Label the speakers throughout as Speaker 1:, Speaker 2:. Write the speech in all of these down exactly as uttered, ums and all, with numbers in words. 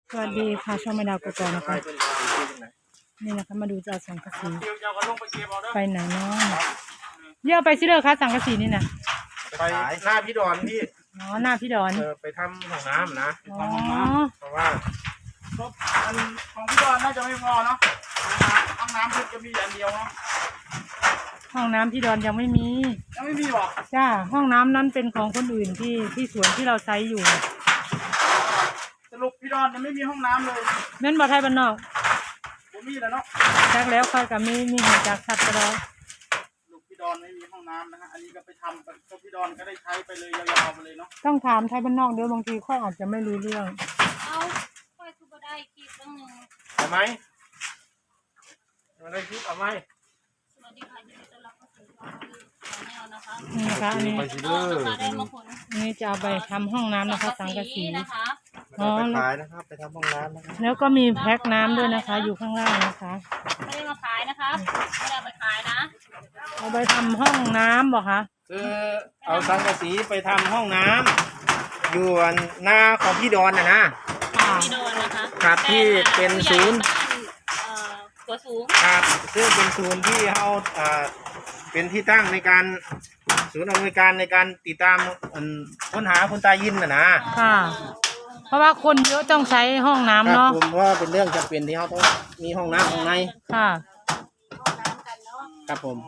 Speaker 1: สวัสดีค่ะช่องมาดาวกกอกนะคะนี่นะคะมาดูจะเอาสังกะสีไปไหนเนาะเยอะไปสิเลยค่ะสังกะสีนี่นะ
Speaker 2: ไปหน้าพี่ดอนพี่
Speaker 1: อ๋อหน้าพี่ดอน
Speaker 2: เออไปทำห้องน้ำนะ
Speaker 1: อ๋อ
Speaker 2: เพราะว่าอันของพี่ดอนน่าจะไม่พอเนาะห้องน้ำเพิ่งจะมีอันเดียวเนาะ
Speaker 1: ห้องน้ำพี่ดอนยังไม่มี
Speaker 2: ยังไม่มีหรอ
Speaker 1: จ้าห้องน้ำนั้นเป็นของคนอื่นที่ที่สวนที่เราใช้อยู่
Speaker 2: สรุปพี่ดอนยังไม่มีห้องน้ำเลย
Speaker 1: แม่นบ่ไทยบ้านนอก
Speaker 2: ผมมีแล้วเนาะ
Speaker 1: จักแล้วค่อยกับมีมีหัวจักสัตว์ก็ได้
Speaker 2: ลูกพี่ดอนไม่มีห้องน้ำนะฮะอันนี้ก็ไปทำกับพี่ดอนก็ได้ใช้ไปเลยยาวๆไปเลยเนาะ
Speaker 1: ต้องถามไทยบ้านนอกเดี๋ยวบางทีค่อยอาจจะไม่รู้เรื่อง
Speaker 3: เอาค่อยคือบ่ได้คลิปตั้งหนึ่ง
Speaker 2: เอาไหมมาได้คลิปเอาไหม
Speaker 3: สวัสดีค่ะยินดีต้อนรับเข้าสู่ช่องแนวนะคะ
Speaker 1: นี่นะคะอันนี้
Speaker 3: ได้มาผล
Speaker 1: นี่จะเอาไปทำห้องน้ำนะคะสังกะสี
Speaker 3: นะคะ
Speaker 2: อ๋อไปขายนะครับไปทำห้องน้ำนะครับ
Speaker 1: แล้วก็มีแพ็คน้ำด้วยนะคะอยู่ข้างล่างนะคะ
Speaker 3: ไม่ได้มาขายนะคะไม่ได้ไปขายนะ
Speaker 1: เอาไปทำห้องน้ำบอกคะ
Speaker 2: คือเอาสังกะสีไปทำห้องน้ำอยู่หน้าของพี่ดอนนะนะ
Speaker 3: พี่ดอนนะคะ
Speaker 2: ครับที่เป็นศูนย์
Speaker 3: ตัวสูง
Speaker 2: ครับซึ่งเป็นศูนย์ที่เขาเป็นที่ตั้งในการศูนย์อำนวยการในการติดตามค้นหาคุณตายินนะนะ
Speaker 1: ค่ะเพราะว่าคนเยอะต้องใช้ห้องน้ำเนาะ
Speaker 2: ผมว่าเป็นเรื่องจำเป็นที่เขาต้องมีห้องน้ำข้างใน
Speaker 1: ค่ะ
Speaker 2: ครับผม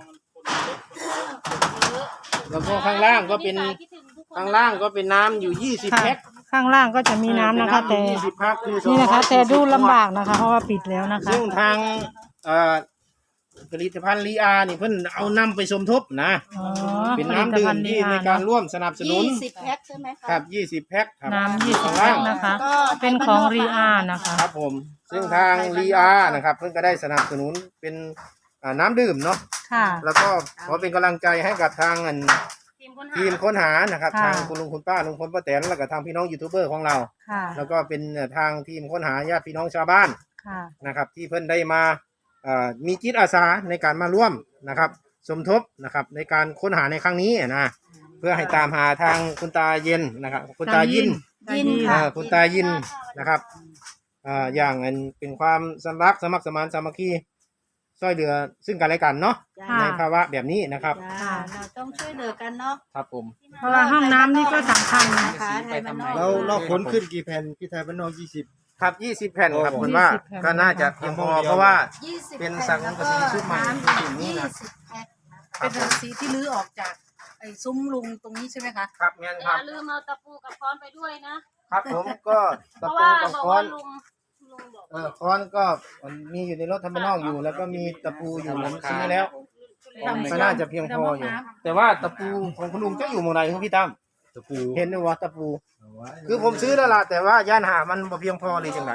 Speaker 2: แล้วก็ข้างล่างก็เป็นข้างล่างก็เป็นน้ำอยู่ยี่สิบแพ็ค
Speaker 1: ข้างล่างก็จะมีน้ำนะคะแต่นี่นะคะแต่ดูลำบากนะคะเพราะว่าปิดแล้วนะคะ
Speaker 2: ซึ่งทางผลิตภัณฑ์ลีอานี่เพิ่นเอานำไปสมทบนะเป็นน้ำดื่มที่ในการร่วมสนับสนุน
Speaker 3: ยี่สิบแพ็คใช่ไหมคะ
Speaker 2: ครับยี่สิบแพ็คครับ
Speaker 1: น้ำยี่สิบแพ็คนะคะเป็นของลีอานะคะ
Speaker 2: ครับผมซึ่งทางลีอานะครับเพิ่นก็ได้สนับสนุนเป็นน้ำดื่มเนาะ
Speaker 1: ค่ะ
Speaker 2: แล้วก็ขอเป็นกำลังใจให้กับทางทีมค้นหานะครับทางคุณลุงคุณป้าลุงพลป้าแตนแล้วก็ทางพี่น้องยูทูบเบอร์ของเราแล้วก็เป็นทางทีมค้นหาญาติพี่น้องชาวบ้านนะครับที่เพิ่นได้มามีจิตอาสาในการมาร่วมนะครับสมทบนะครับในการค้นหาในครั้งนี้นะเพื่อให้ตามหาทางคุณตาเย็นนะครับคุณตายินคุณตายินนะครับอย่างเป็นความสมัครสมัครสมานสามัคคีช่วยเหลือซึ่งกันและกันเนาะในภาวะแบบนี้นะครับ
Speaker 3: เราต้องช่วยเหลือกันเนาะ
Speaker 2: ครับผม
Speaker 1: เพราะว่าห้องน้ำนี่ก็สำคัญนะคะ
Speaker 2: เราเราขนขึ้นกี่แผ่นพี่ไทยบ้านนอกยี่สิบครับยี่สิบแผ่นครับคุณว่าก็น่าจะเพียงพอเพราะว่าเป็นสังกะสีชุดใหม่
Speaker 3: นี่นะเป็นสังกะสีที่ลื้อออกจากไอ้ซุ้มลุงตรงนี้ใช่ไหมคะ
Speaker 2: ครับงั้นครับ
Speaker 3: ลืมเอาตะปูกับค้อนไปด้วยนะครับ
Speaker 2: ผมก็ตะปูกับค้อนเออค้อนก็มีอยู่ในรถทำบ้านนอกอยู่แล้วก็มีตะปูอยู่ผมซื้อแล้วก็น่าจะเพียงพออยู่แต่ว่าตะปูของคุณลุงจะอยู่เมื่อไหร่ครับพี่ตั้มตะปูเห็นไหมว่าตะปูคือผมซื้อแล้วล่ะแต่ว่าย่านหามันบ่เพียงพอเลยจังไหน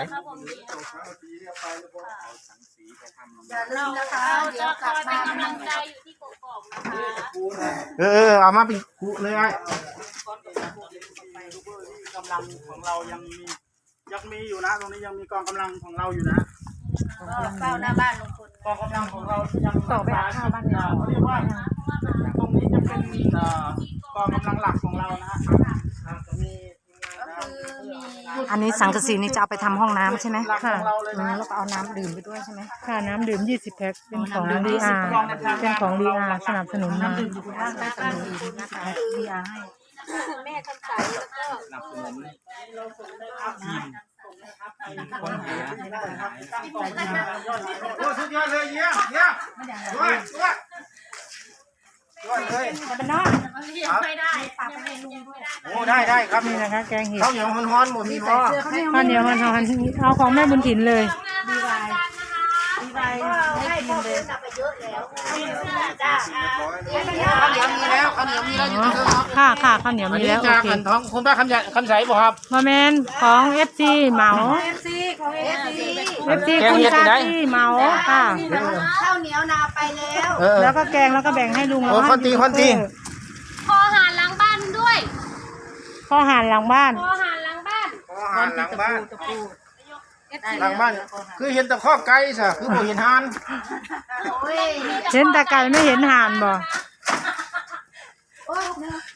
Speaker 3: อย่าลืมนะคะเดี๋ยวกลับมาเป็นกำลังใจอยู่ที่กกอกนะคะ
Speaker 2: เออเอามาเป็นคู่เลยไอ้กำลังของเรายังมียังมีอยู่นะตรงนี้ยังมีกองกำลังของเราอยู่นะ
Speaker 3: เฝ้าหน้าบ้านลุงพล
Speaker 2: กองกำลังของเรายังต่อไปหน้าบ้านเราเรียกว่าตรงนี้จะเป็นกองกำลังหลักของเรานะฮะ
Speaker 1: อันนี้สังกะสีนี่จะเอาไปทำห้องน้ำใช่ไหมค่ะแล้วก็เอาน้ำดื่มไปด้วยใช่ไหมค่ะน้ำดื่มยี่สิบแพ็คเป็นของลีอาเป็นของลีอาสนับสนุนมาลีอาให้
Speaker 3: แม่ทำใสแล้วก็
Speaker 2: สนับสนุนทีมคนหาโอ้สุดยอดเลยเยี่ยมเยี่ยมด้วยด้วยด้วยเลย
Speaker 3: เป็นน้องไม่ได้ฝากไปให้ลุงด้วย
Speaker 2: โอ้ได้ได้ครับ
Speaker 1: นี่นะคะแกงเห็ด
Speaker 2: ข้าวเหนียวฮ้อนๆหมดมีพอ
Speaker 1: ข้าวเหนียวฮ้อนๆเอาของแม่บุญถิ่นเลย
Speaker 3: ดีไวดีไวให้กินเลยไปเยอะแล้วจ้า
Speaker 2: ข้าวเหนียวมีแล้วข้าวเหนียวมีแล้วอยู่ตรงนี้
Speaker 1: ค่ะค่ะข้าวเหนียวมีแล้วโอเค
Speaker 2: ท้องคุณป้าคำใหญ่คำใสบ่ครับ
Speaker 1: มาแมนของเอฟซีเหมา
Speaker 3: เอฟซีของเอฟซี
Speaker 1: เอฟซีคุณตาที่เหมาค่ะ
Speaker 3: ข้าวเหนียวนาไปแล้ว
Speaker 1: แล้วก็แกงแล้วก็แบ่งให้ลุง
Speaker 2: โอ้คนตีคนตี
Speaker 3: พอหารหลังบ้านด้วย
Speaker 1: พอหารหลังบ้าน
Speaker 3: พอหารหลังบ้าน
Speaker 2: พอหารหลังบ้านหลังบ้านคือเห็นแต่ข้อไก่ซะคือบ่เห็นห่าน
Speaker 1: เห็นแต่ไก่ไม่เห็นห่านบ่